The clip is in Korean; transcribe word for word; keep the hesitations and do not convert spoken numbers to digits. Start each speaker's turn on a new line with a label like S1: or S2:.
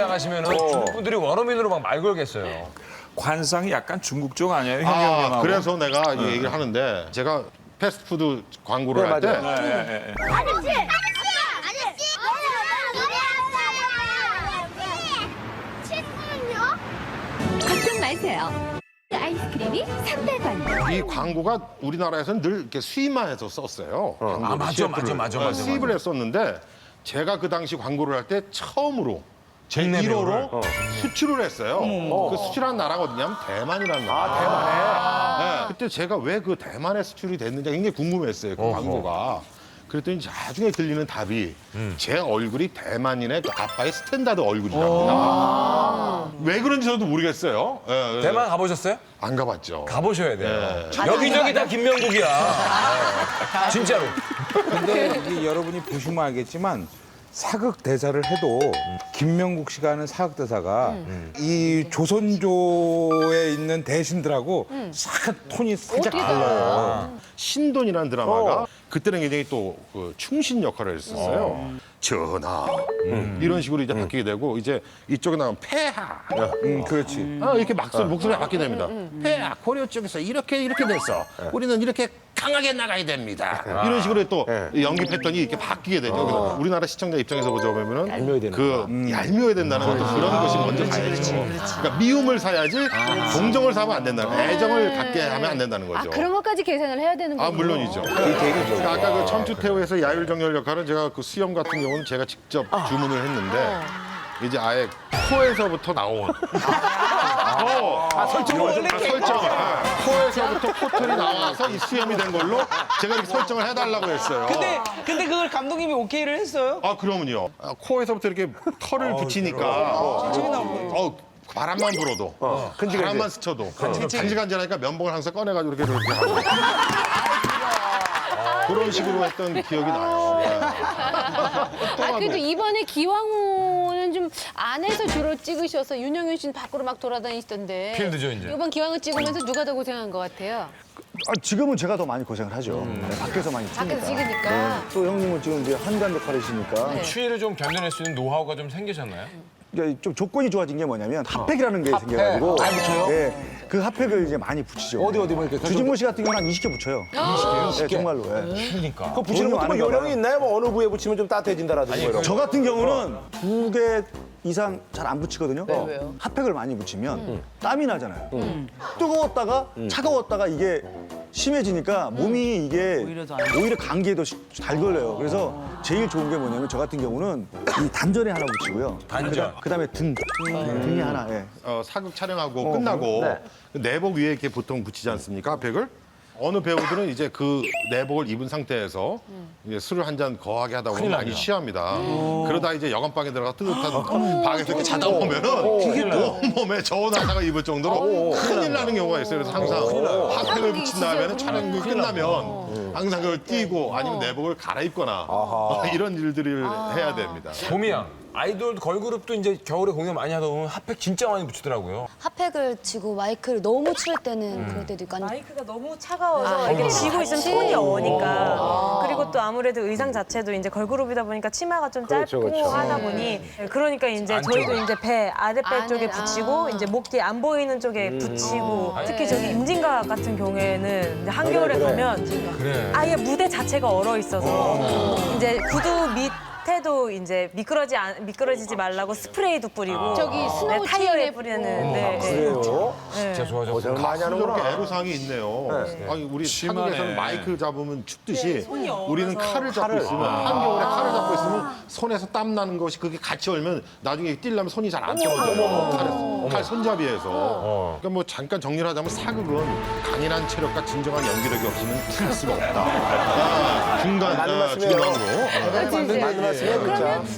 S1: 나가시면 중국 분들이 원어민으로 막 말 걸겠어요.
S2: 관상이 약간 중국 쪽 아니에요, 형이
S3: 아,
S2: 형님하고?
S3: 그래서 내가 이 얘기를 하는데 제가 패스트푸드 광고를 할 때
S2: 예, 예, 예.
S4: 아저씨! 아저씨! 아저씨! 친구는요?
S5: 걱정 마세요. 아이스크림이 삼백 원.
S3: 이 광고가 우리나라에서는 늘 이렇게 수입만 해서 썼어요. 광고를,
S1: 아, 맞아,
S3: 씨에프를.
S1: 맞아, 맞아,
S3: 네,
S1: 맞아,
S3: 수입을 했었는데 제가 그 당시 광고를 할 때 처음으로 제
S1: 국내
S3: 일 호로
S1: 배우를.
S3: 수출을 했어요. 그 수출한 나라가 어디냐면 대만이라는 나라. 아, 대만에? 네, 그때 제가 왜 그 대만에 수출이 됐는지 굉장히 궁금했어요, 그 광고가. 그랬더니 나중에 들리는 답이 제 얼굴이 대만인의 그 아빠의 스탠다드 얼굴이랍니다. 왜 그런지 저도 모르겠어요. 예, 예.
S1: 대만 가보셨어요?
S3: 안 가봤죠.
S1: 가보셔야 돼요.
S3: 예.
S1: 여기저기 다 김명국이야. 네. 진짜로.
S2: 근데 이게 여러분이 보시면 알겠지만 사극 대사를 해도 김명국 씨가 하는 사극 대사가 이 조선조에 있는 대신들하고 싹 톤이 살짝 달라요.
S3: 신돈이라는 드라마가 그때는 굉장히 또 그 충신 역할을 했었어요. 전하 이런 식으로 이제 바뀌게 되고 이제 이쪽에 나오면 폐하
S2: 음, 그렇지.
S3: 아, 이렇게 막 목소리가 바뀌게 됩니다. 폐하 고려 쪽에서 이렇게 이렇게 됐어. 우리는 이렇게 강하게 나가야 됩니다. 이런 식으로 또 연기 패턴이 이렇게 바뀌게 되죠. 그래서 우리나라 시청자 입장에서 보자면은
S6: 얄미워야 되는
S3: 그 얄미워야 된다는 것도 그런 것이 먼저 가야죠. 그러니까 미움을 사야지 동정을 사면 안 된다는 거예요. 애정을 갖게 하면 안 된다는
S7: 아,
S3: 거죠.
S7: 그런 것까지 계산을 해야 되는 거예요.
S3: 아 물론이죠. 그러니까 아까 그 천추태후에서 야율정열 역할은 제가 그 수염 같은 경우는 제가 직접 주문을 했는데 이제 아예 코에서부터 나온 어,
S6: 아, 설정을 원래
S3: 아, 설정을 아, 코에서부터 코털이 나와서 이 수염이 된 걸로 제가 이렇게 설정을 해달라고 했어요.
S8: 근데 근데 그걸 감독님이 오케이를 했어요?
S3: 아 그러면요. 아, 코에서부터 이렇게 털을 붙이니까 어, 바람만 불어도 바람만 스쳐도 간질간질하니까 면봉을 항상 꺼내가지고 이렇게 이렇게 하고 그런 식으로 했던 기억이 나요. 네.
S7: 아, 그래도 이번에 기왕후는 좀 안에서 주로 찍으셔서 윤영윤 씨는 밖으로 막 돌아다니시던데.
S1: 필드죠, 이제.
S7: 이번 기왕후 찍으면서 누가 더 고생한 것 같아요?
S6: 아, 지금은 제가 더 많이 고생을 하죠. 네, 밖에서 많이 찍으니까.
S7: 밖에서 찍으니까.
S6: 또 형님은 지금 이제 한간 역할이시니까.
S7: 네.
S1: 추위를 좀 견뎌낼 수 있는 노하우가 좀 생기셨나요?
S6: 그러니까 좀 조건이 좋아진 게 뭐냐면 핫팩이라는 게 생겨가지고.
S8: 아, 붙여요?
S6: 예, 그 핫팩을 이제 많이 붙이죠.
S8: 어디, 어디 뭐 이렇게
S6: 주진모 씨 같은 경우는 한 이십 개 붙여요. 이십 개? 네, 정말로. 예.
S1: 그러니까.
S6: 그
S9: 붙이는 것도 뭐 요령이 있나요? 뭐 어느 부위에 붙이면 좀 따뜻해진다라든지 뭐 이런
S6: 저 같은 경우는 두 개 이상 잘 안 붙이거든요.
S7: 왜요?
S6: 핫팩을 많이 붙이면 땀이 나잖아요. 뜨거웠다가 차가웠다가 이게 심해지니까 몸이 이게
S8: 오히려 더안
S6: 오히려 감기에 더 잘 걸려요. 그래서 제일 좋은 게 뭐냐면 저 같은 경우는 이 단전에 하나 붙이고요.
S1: 단전.
S6: 그다음에 등 등에 하나. 예.
S3: 어, 사극 촬영하고 끝나고 그 내복 위에 이렇게 보통 붙이지 않습니까? 핫팩을? 어느 배우들은 이제 그 내복을 입은 상태에서 이제 술을 한 잔 거하게 하다 보면 많이 취합니다. 그러다 이제 여관방에 들어가 뜨뜻한 방에서 이렇게 자다 보면은 온몸에 저온화사가 입을 정도로 큰일 나는 경우가 있어요. 그래서 항상 핫팩을 붙인 다음에는 촬영이 끝나면 항상 그걸 띄고 아니면 내복을 갈아입거나 이런 일들을 해야 됩니다.
S1: 봄이야. 아이돌 걸그룹도 이제 겨울에 공연 많이 하다 보면 핫팩 진짜 많이 붙이더라고요.
S4: 핫팩을 쥐고 마이크를 너무 추울 때는 그럴 때도 있고 아니
S10: 마이크가 너무 차가워서 이게 쥐고 있으면 톤이 어니까 그리고 또 아무래도 의상 자체도 이제 걸그룹이다 보니까 치마가 좀 짧고
S9: 그렇죠, 그렇죠.
S10: 하다 보니 그러니까 이제 저희도 이제 배 아랫배
S7: 안에,
S10: 쪽에
S7: 아.
S10: 붙이고 이제 목 뒤에 안 보이는 쪽에 붙이고 특히 저기 임진각 같은 경우에는 이제 한겨울에 가면
S1: 그래.
S10: 아예 무대 자체가 얼어 있어서 이제 구두 밑 테도 이제 미끄러지 안, 미끄러지지 말라고 스프레이도 뿌리고
S7: 저기 스노우
S10: 네, 타이어에
S7: 체인에
S10: 뿌리는 네, 네.
S9: 그래요?
S1: 진짜 좋아졌어.
S9: 저는 많이
S3: 저렇게
S9: 하는구나.
S3: 애로사항이 있네요. 아니 우리
S2: 심하네.
S3: 한국에서는 마이크 잡으면 춥듯이
S10: 손이 얼어서.
S3: 우리는 칼을 잡고 있으면 한겨울에 칼을 잡고 있으면 손에서 땀 나는 것이 그게 같이 얼면 나중에 뛸려면 손이 잘 안 떨어져요. 칼에서. 칼 손잡이에서. 그러니까 뭐 잠깐 정리를 하자면 사극은 강인한 체력과 진정한 연기력이 없이는 할 수가 없다. 아, 중간
S9: 맞는
S3: 아,
S9: 말씀이에요.
S3: 중간으로.
S9: 맞는 말씀이에요, 진짜.